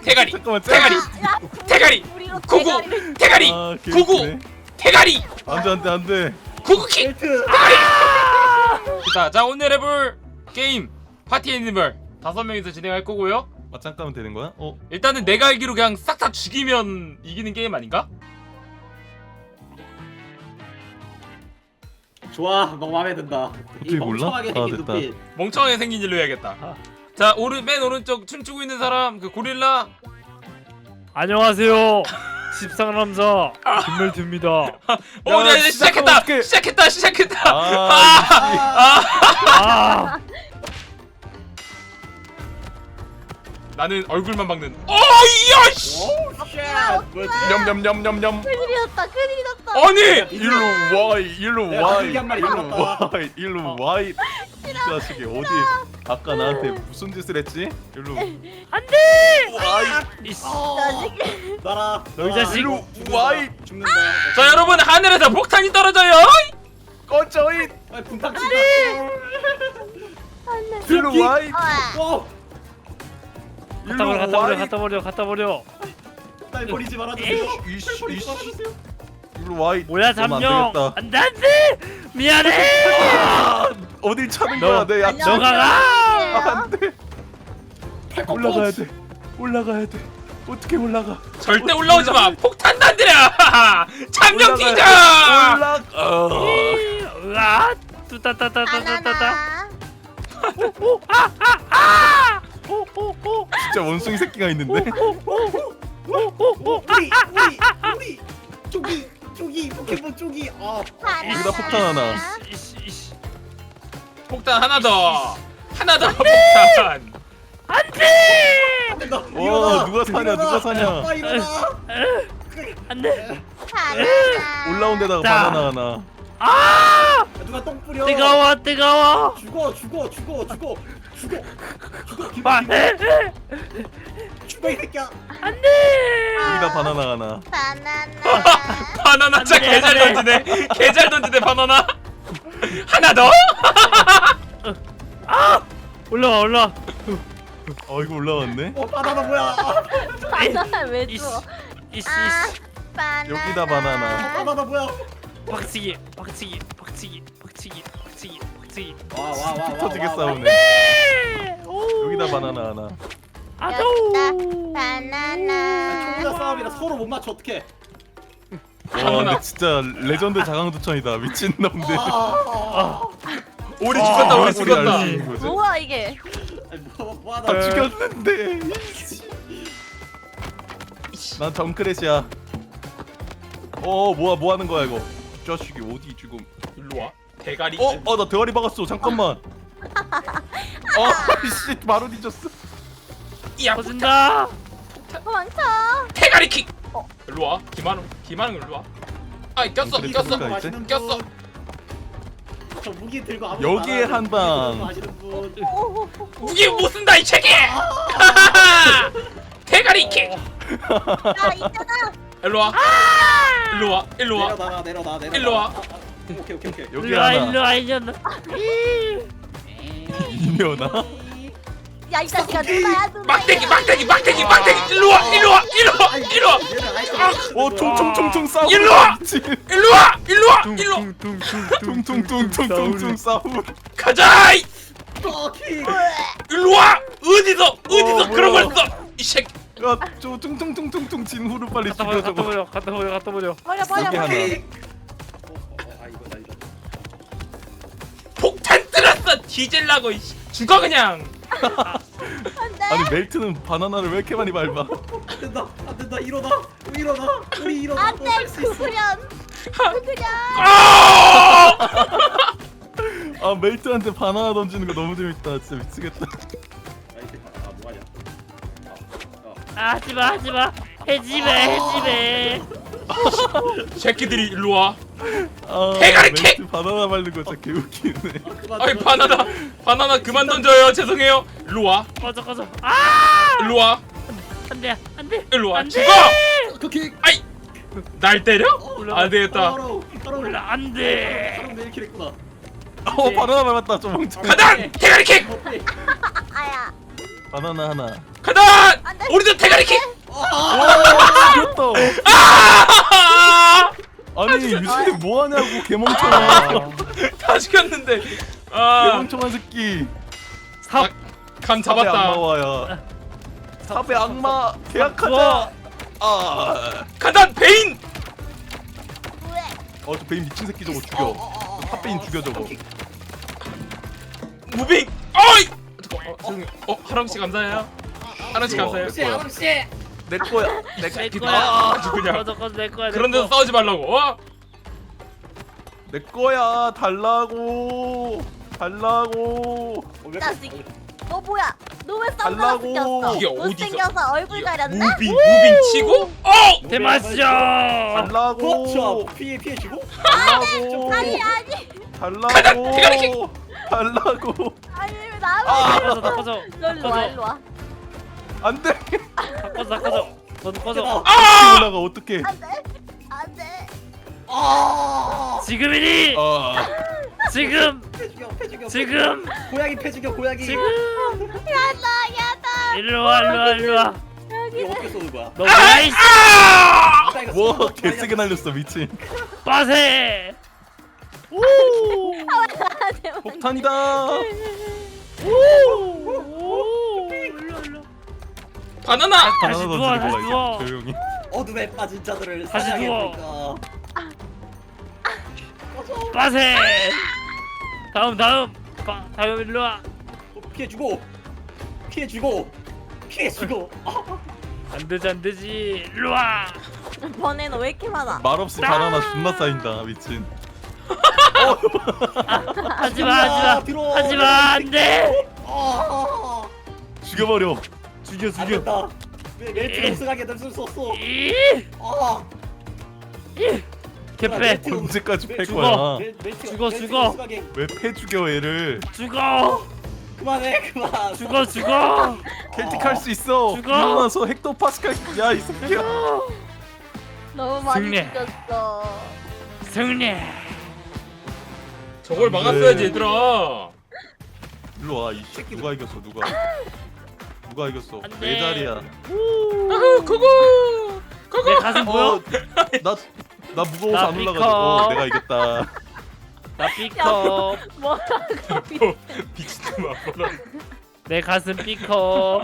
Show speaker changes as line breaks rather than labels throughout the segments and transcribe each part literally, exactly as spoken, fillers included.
대가리
잠깐만,
대가리
야,
대가리
우리로
구구
대가리를
대가리
아,
구구
개웃기네.
대가리
안돼 안돼 안돼.
구구킥
벨트.
자, 자 오늘 해볼 게임 파티 애니멀 다섯 명이서 진행할 거고요.
맞짱 까면 되는 거야? 어?
일단은 내가 알기로 그냥 싹 다 죽이면 이기는 게임 아닌가?
좋아, 너무 마음에 든다. 이
어떻게 몰라?
멍청하게
아,
생긴
됐다.
눈빛.
멍청하게 생긴 일로 해야겠다. 자, 오른 맨 오른쪽 춤추고 있는 사람 그 고릴라.
안녕하세요. 십상남자 김멜트입니다.
어,
야,
야, 시작했다.
어떡해.
시작했다. 시작했다.
아,
아,
나는 얼굴만 박는. 어, 이야 씨.
오우 쉣. 뭐지?
냠냠냠냠냠.
큰일이 났다 큰일이 났다
아니,
일로 와 일로
내가
와
가족이 한 마리
일로
잡았다.
와 일로 와. 이 자식이 어디 아까 나한테 무슨 짓을 했지? 일로
안돼. 이씨,
자식
나라.
너희 자식.
일로 와이
죽는다.
자 여러분 하늘에서 폭탄이 떨어져요.
꺼져이
아, 분탕 친다.
안돼
일로 와이
오,
갖다 버려, 갖다 버려, 갖다 버려, 갖다 버려.
날 버리지 말아주세요.
이씨
날 버리지
이씨
말아주세요.
일로 와이
뭐야
그러면 안
잠룡.
되겠다.
안돼 안돼. 미안해.
아, 어딜 차는
너,
거야 내 약.
너가 가.
안돼 올라가야 돼 올라가야 돼 어떻게 올라가
절대 올라오지 마. 폭탄 단들여. 참령
올라가야
뛰자.
돼. 올라 어.
으아. 뚜따따따따따따.
바나나
오오오.
진짜 원숭이 새끼가 있는데
우리 우리 우리 쪼기 쪼기 포켓몬 쪼기. 아,
바나나
여기다 폭탄 하나.
이씨 이씨.
폭탄 하나 더. 하나 더 폭탄.
안돼.
안 된다.
와,
일어나.
누가 사냐,
일어나.
누가 사냐.
아빠 일어나.
안돼.
바나나
올라온 데다가
자.
바나나 하나
아.
누가 똥 뿌려.
뜨거워 뜨거워.
죽어 죽어 죽어 죽어 죽어 죽어
아,
김
에, 에.
죽어 이 새끼야.
안돼.
여기다 바나나 하나
바나나
바나나 진짜
안 돼,
개잘
안 돼.
던지네. 개잘 던지네 바나나. 하나 더.
아. 올라와 올라와.
어 이거 올라왔네
어, 바나나 뭐야.
바나나 왜
이씨
줘?
이씨
아
이씨.
바나나
여기다 바나나.
바나나 뭐야.
박치기 박치기 박치기 박치기 박치기 박치기.
와와와와
터지게 싸우네
네. 오.
여기다 바나나 하나
아도.
바나나
총자 싸움이라 서로 못 맞춰. 어떡해.
와 근데 진짜 레전드 자강두천이다 미친놈들
아,
우리 죽었다. 우리
아,
죽었다.
알지, 이거지?
뭐야 이게
아니, 뭐, 뭐 하다.
다 죽였는데 난 정크렛이야 어 뭐야 뭐하는 거야 이거 이 자식이 어디 지금
일로 와. 대가리.
어? 어 나 대가리 박았어 잠깐만 어 씨 바로 뒤졌어
야 폭탄.
터진다.
도망쳐
대가리 킥. 일로 와. 김한웅. 김한웅 일로 와. 아 꼈어.
그래,
꼈어.
그래.
맛있는
꼈어.
분. 저 무기 들고 아무
여기에 한 방.
마시는 분.
무기 못 쓴다 이 새끼. 대가리 킥.
야 있잖아
일로 와. 일로 와. 일로 와.
내려놔라 내려놔 내려놔.
일로 와.
아, 아, 오케이 오케이 오케이.
여기
일로 와
하나
일로 와 일로 와.
이면아
야 이 자식아 누나야 누나
막대기 막대기 막대기 막대기. 일로 와. 일로 와. 일로 와. 일로 와.
얘는 아이템.
어 총총총총 싸우
일로 와! 일로 와. 일로 와. 일로 와.
퉁퉁퉁퉁퉁퉁 싸우
가자. 이.
어, 킥.
일로 와. 어디서 어디서
어,
그런
뭐야.
걸 써. 이 새끼.
야저 퉁퉁퉁퉁퉁 진후를 빨리
갖다
죽여
버려 갖다
저거
버려 갖다 버려 갖다 버려.
버려 버려
여기
버려
하나
킥. 어, 어, 어, 아 이거다 이거.
폭탄 들었어. 뒤질라고. 이 씨. 죽어 그냥.
안돼
아니 멜트는 바나나를 왜 이렇게 많이 밟아
안 된다 안 된다 일어나 우리 일어나 우리 일어나.
안돼 구구련 구구련
아!
아 멜트한테 바나나 던지는 거 너무 재밌다 진짜 미치겠다
아이템 아 뭐하냐.
아, 하지마 하지마. 해지매 해지매.
새끼들이 일로 와.
아
대가리
멜트 바나나 밟는 거 진짜 개웃기네
아이 바나나 바나나 그만 던져요. 죄송해요. 일로 와.
꺼져 꺼져. 아.
일로 와.
안돼 안돼.
일로 와.
안
죽어.
돼!
그 킥.
아이. 날 때려? 안 되겠다.
바로 바로
올라 안돼.
바로 내일 킬했구나.
어 바나나 밟았다 저 멍청
가단 대가리 킥.
어때?
아야
바나나 하나.
간다.
안 돼.
우리도 대가리킥.
죽였다.
아!
아니 유진이 뭐 하냐고 개멍청아.
다 죽였는데. 아,
개멍청한 새끼.
삽. 감
삽의
잡았다.
악마와야. 삽의 악마 계약하자. 아.
간다 베인.
왜?
어저 베인 미친 새끼 저거 죽여. 탑베인 죽여 저거.
무빙. 어이. 잠깐. 어, 죄송해요. 어, 하람 씨 감사해요. 하람 씨
이거.
감사해요.
혹시 아람 씨.
내 거야. 내
내
거야.
거야.
아주 그냥.
꺼져 꺼져 내 거야. 내
그런 데서
거.
싸우지 말라고. 어?
내 거야. 달라고. 달라고.
자식. 너 뭐야? 너 왜 선글라스
달라고.
꼈어?
이게 어디서-
못생겨서 얼굴 가렸네?
무빙 무빙 치고. 어.
대마쇼.
달라고.
그렇죠. 피해 피해 주고.
달라고.
아니 아니
달라고.
대가리.
달라고.
아니 왜 나만
아.
꺼져 다 꺼져.
너 일로 와 일로 와.
안 돼.
다 꺼져 다 꺼져. 너도 꺼져.
어떻게 올라가 어떻게?
안돼 안돼.
아.
지금이니.
아.
지금.
패 죽여 패 죽여.
지금.
고양이 패 죽여 고양이.
지금.
야다 야다.
일로 와 일로 와 일로 와.
이거 어떻게 쏘는 거야?
너 뭐야 이
아!
자, 이거
뭐
쏘는 거
개세게 날렸어 미친.
빠세.
오.
나한테
폭탄이다.
오. 일로 일로.
바나나.
다시
바나나
누워,
던지는
다시
거야
누워.
이제 조용히.
어둠에 빠진 자들을
다시
사냥해볼까.
빠세. 다음 다음. 빠, 다음 일로 와.
어, 피해 주고 피해 주고 피해 주고.
안 되지 안 되지. 일로 와.
번에는 왜 이렇게 많아?
말없이 바나나 존나 쌓인다 미친.
하지마 하지마
들어.
하지마 안돼.
아.
죽여버려.
죽여
안
죽여.
된다. 왜 멜트 우승하게 될 수 없어.
이
아.
개패
언제까지 패
죽어.
거야?
멜- 멜트-
죽어,
멜트
죽어.
우승하게.
왜 패 죽여 얘를?
죽어
그만해 그만.
죽어 죽어
켈틱 할 수 있어.
죽어.
일어나서 헥토 파스칼. 야이 새끼야.
너무 많이
승리.
죽였어.
승리.
저걸 막았어야지 얘들아.
일로 와. 이 새끼 누가 이겼어 누가? 누가 이겼어?
안 돼.
내 자리야.
아후 고고
내
고고.
가슴 보여?
나나 무거워서
나
안
삐커.
올라가지고 내가 이겼다.
나 B컵
뭐라고?
미친놈아 뭐라.
내 가슴 B컵.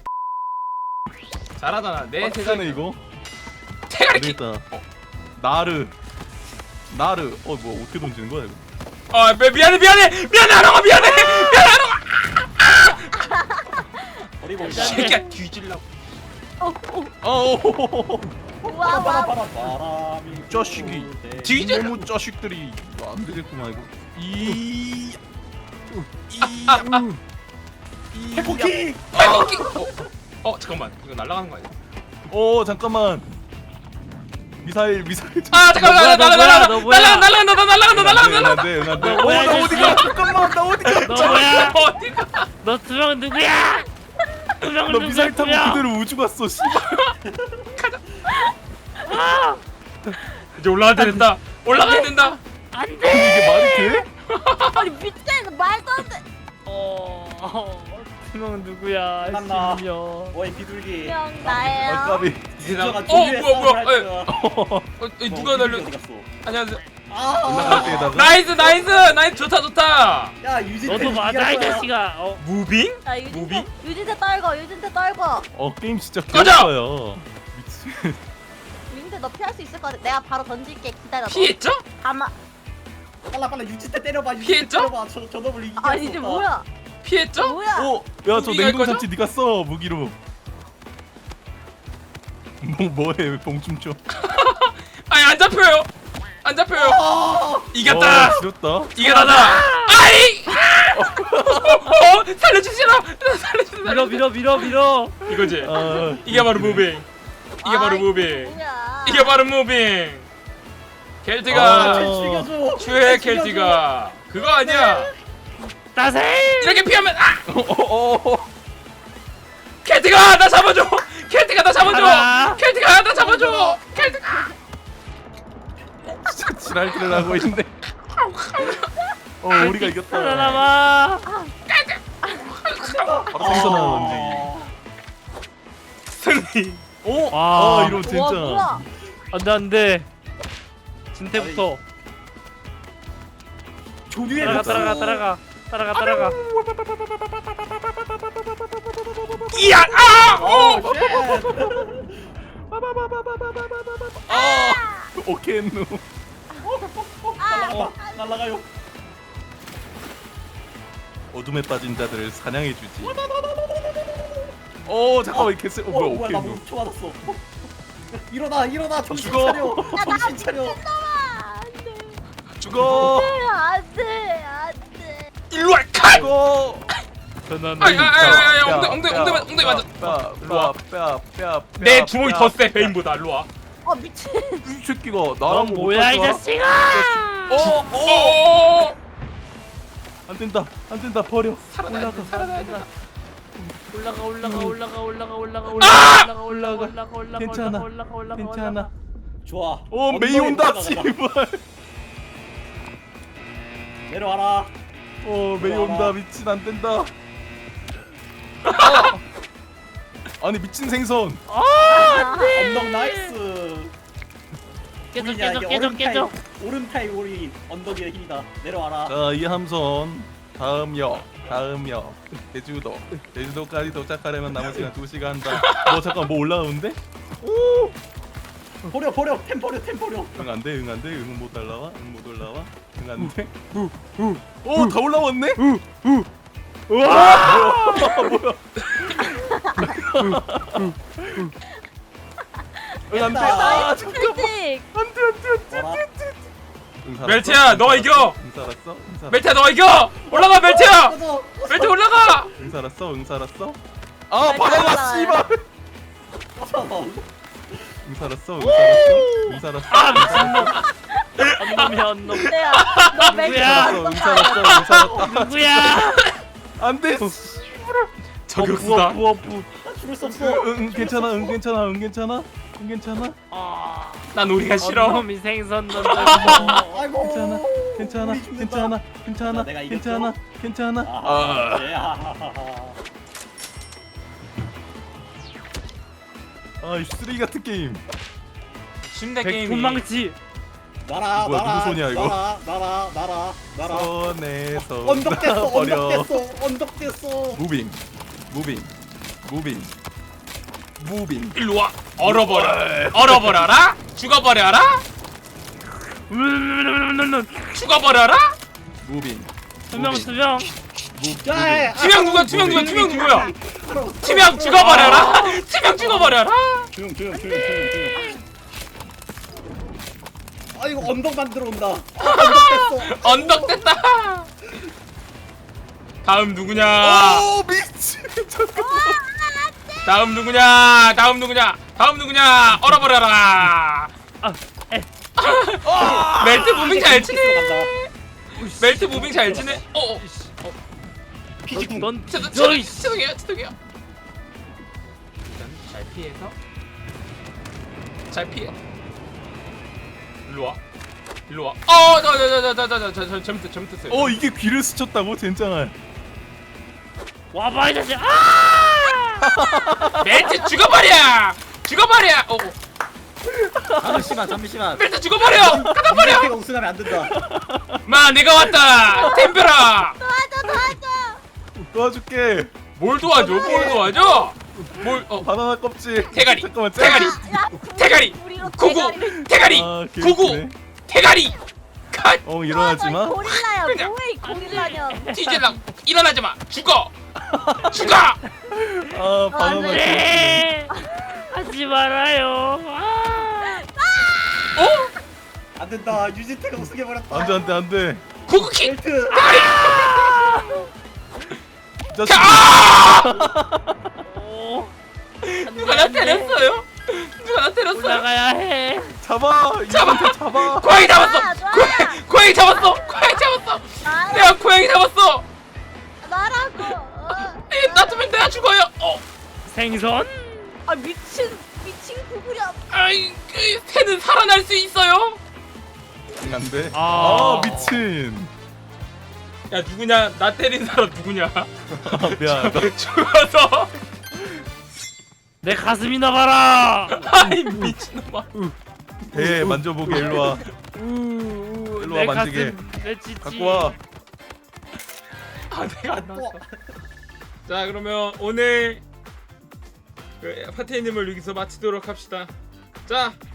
잘하잖아. 내
빡세네
세상에
이거.
대가리킥.
되겠다. 나르. 나르. 어 뭐 어떻게 던지는 거야 이거?
아 미- 미안해 미안해 미안해 하랑아 미안해 미안해 하랑아.
어리고
일단-
새끼야 뒤질라고.
어, 어,
어.
와, 와.
바람이
자식이.
뒤져.
이놈의 자식들이. 이거 안 되겠구만 이거. 이. 이. 이.
해포킹.
발목킥. 어, 어 잠깐만 이거 날아가는 거 아니야?
어 잠깐만. 미사일 미사일.
아 잠깐만
뭐야, 너
날아가
뭐야,
날아가
너 뭐야?
날아가 날아간다 날아간다 날아간다 날아간다.
응안돼 응안돼.
너 뭐야,
어나
이
어디가?
자식아.
잠깐만 나 어디가?
너 뭐야?
어디가?
너 두 명 누구야? 두 명은
너 미사일 타고
누구야?
그대로 우주 갔어. 씨발.
아,
이제 올라가야 된다. 올라가야 된다.
안돼.
이게 말이 돼?
아니 미친 말도 안 돼.
어, 두 명은 누구야?
만나.
십명.
뭐이 비둘기.
형
아
나예요.
까비.
세상. 어
조류의
뭐야 뭐야.
싸움을 할
에,
거야.
어, 에, 누가 날려?
어디 갔어?
안녕하세요.
아.
올라갈 때에다가.
나이스 나이스 나이스 좋다 좋다.
야 유진.
너도 맞아 이 자식아. 어,
무빙?
야 유진태 유진태 떨궈 유진태 떨궈.
어 게임 진짜
꺼져!
개어요. 미친.
유진태 너 피할 수 있을 것 같아. 내가 바로 던질게 기다려. 너.
피했죠?
아마
빨라 빨라 유진 때 때려봐. 유진 때
피했죠?
때려봐. 저 저놈을 이기게.
아니 이제 뭐야?
피했죠?
뭐야?
어, 야 저
무기가
냉동
거죠?
참치 네가 써 무기로. 뭐 뭐해 왜 봉춤 춰?
아니 안 잡혀요. 안 잡혀요. 이겼다.
어, 지렸다.
이겨라다. 아이. 어, 살려주시라. 살려주시라.
밀어 밀어 밀어 밀어.
이거지.
아,
이게 바로 무빙. 이게 바로
아이,
무빙.
뭐야?
이게 바로 무빙.
아.
켈티가
죽여줘.
최애 켈티가 그거 아니야.
따세.
이렇게 피하면 아!
어, 어,
켈티가 나 잡아줘. 켈티가 나 잡아줘.
하나.
켈티가 나 잡아줘. 켈티가.
진짜 지랄기를 하고 있는데. 어 우리가 이겼다.
살아남아.
바로 생선하는 움직이. 오!
와.
아 이러면 진짜.
와 뭐야?
안돼 안돼. 진태부터
조류에
따라가 따라가 따라가 따라가 따라가.
이야 아!
어,
오!
쉣.
오케이 누.
날라가 날라가요.
어둠에 빠진 자들을 사냥해 주지. 오 잠깐만 이 개쎄. 어 뭐야 오케이
나
누.
초 맞았어. 일어나 일어나 정신
죽어.
차려. 정신 차려.
안돼
죽어.
안돼 안돼.
일로 와 칸!
죽어.
전화는
아이, 아이, 아이, 아이, 아이, 엉덩이, 엉덩이, 엉덩이, 엉덩이 맞아.
일로 와. 뼈, 뼈,
내 주먹이 더 세 베인보다. 일로 와.
어 미친.
이 새끼가
넌
나랑
뭐야 이 자식아.
어, 어.
오!
안 된다. 안 된다. 버려.
올라가 올라가 올라가 올라가 올라가 올라가 올라가
아!
올라가 올라가 올라가 올라가
괜찮아.
올라가 올라가
괜찮아.
좋아.
오 메이 온다.
엉덩이
씨발.
내려와라.
어 메이 온다. 미친 안 된다. 아! 아니 미친 생선.
언덕 나이스.
깨져
우리냐,
깨져
이게
깨져
얼음
깨져.
타입, 얼음 타입 우리 언덕의 힘이다. 내려와라.
자 이함선 다음 역 다음 역 제주도 제주도까지 도착하려면 남은 시간 두 시간다. 뭐 잠깐 뭐 올라오는데?
버려 버려 템 버려 템 버려.
응 안돼 응 안돼 응은 못 올라와 응 못 올라와 응 안돼. 오다 올라왔네?
우와.
뭐야? 응 안돼. 아 잠깐만.
일찍.
안돼 안돼
와라.
응 살았어?
멜트야, 너가 이겨.
응 살았어? 응 살았어?
멜트야 너가 이겨. 올라가 멜트야.
꺼져.
멜트 올라가.
응 살았어? 응 살았어? 아
멜트
바나나
올라와요.
씨발.
꺼져.
응 살았어? 응 살았어? 응 살았어?
아 미친놈. 언놈이 언놈.
내야. 너 멜트
누구야?
살았어? 응 살았어? 응 살았다.
누구야?
안돼.
저격수다.
부어 부어.
나 죽을 수 없어.
응, 응 괜찮아 응 괜찮아 응 괜찮아 응 괜찮아
아.
난 우리가 싫어.
언놈이 생선 던져.
어, 아이고.
괜찮아 괜찮아
우리 죽는다.
괜찮아 괜찮아
자, 내가 이겼죠?
괜찮아 괜찮아
아, 예, 아하하하.
아이 쓰레기 같은 게임
침대 게임이.
백분망치.
나라
뭐야,
나라
누구 손이야, 이거?
나라 나라 나라 나라.
손에서
언덕 됐어
버려
언덕 됐어 언덕 됐어.
무빙 무빙 무빙 무빙
일로 와. 얼어버려. 얼어버려라. 죽어버려라. 죽어버려라.
무빙
투명
무빙
투명.
야,
투명 누구야? 투명 누구야? 투명 누구야? 투명 죽어버려라. 투명 죽어버려라.
조용 조용 조용 조용 조용. 아 이거 언덕 만들어 온다. 아, 언덕 됐어.
언덕 됐다. 다음 누구냐?
오 미친 잠깐만
다음 누구냐? 다음 누구냐? 다음 누구냐? 얼어버려라.
아, 에.
멜트 무빙 잘 치네.
간다.
멜트 무빙 잘 치네. 어. 어.
피지쿵.
넌
죄송,
뒤져.
죄송, 죄송해요. 죄송해요. 일단 잘 피해서. 잘 피해. 일로 와. 일로 와. 어, 저, 저, 저, 저, 저, 저, 저, 저, 잘못, 잘못했어요.
어 이게 귀를 스쳤다고 젠장할
와봐 이 자식. 아!
멜트 죽어버려. 죽어버려. 어, 어.
잠시만 잠시만.
멜트 죽어버려. 가다버려.
내가 우승하면 안 된다.
마, 내가 왔다. 템벼라.
도와줘 도와줘.
도와줄게
뭘 도와줘? 뭘 도와줘? 뭘? 어.
바나나 껍질
대가리.
잠깐만
대가리.
야,
대가리.
우리로
구구.
대가리를-
대가리.
아,
구구.
개웃기네.
대가리. 컷.
어 일어나지 마
너 고릴라야.
그냥.
뭐해 이 고릴라년.
뒤질라. 일어나지 마. 죽어. 죽어.
아 바나나
안 돼.
개웃기네
네. 하지 말아요. 아!
어?
안 된다. 유지태가 우승해 버렸다.
안돼 안돼 안돼
구구킥.
벨트.
이 자식
오.
누가 나 때렸어요? 누가 나 때렸어요?
올라가야 해.
잡아
잡아!
이한테 잡아
고양이 잡았어!
아, 좋아.
고양이, 고양이 잡았어! 고양이 잡았어!
나라
내가 고양이 잡았어!
나라고. 어.
이 놔두면 내가 죽어요! 어!
생선?
아 미친 미친 구구려.
아이, 그 새는 살아날 수 있어요?
안돼
아.
아 미친
야, 누구냐? 나 때린 사람 누구냐?
아 미안
죽어서!
내 가슴이나 봐라.
아이 미친놈아.
배 만져보게 일로 와.
우우
일로 와,
내
만지게.
가슴 내 찌찌.
갖고 와.
아 내가 안 나왔어. 자 그러면 오늘 그 파티님을 여기서 마치도록 합시다. 자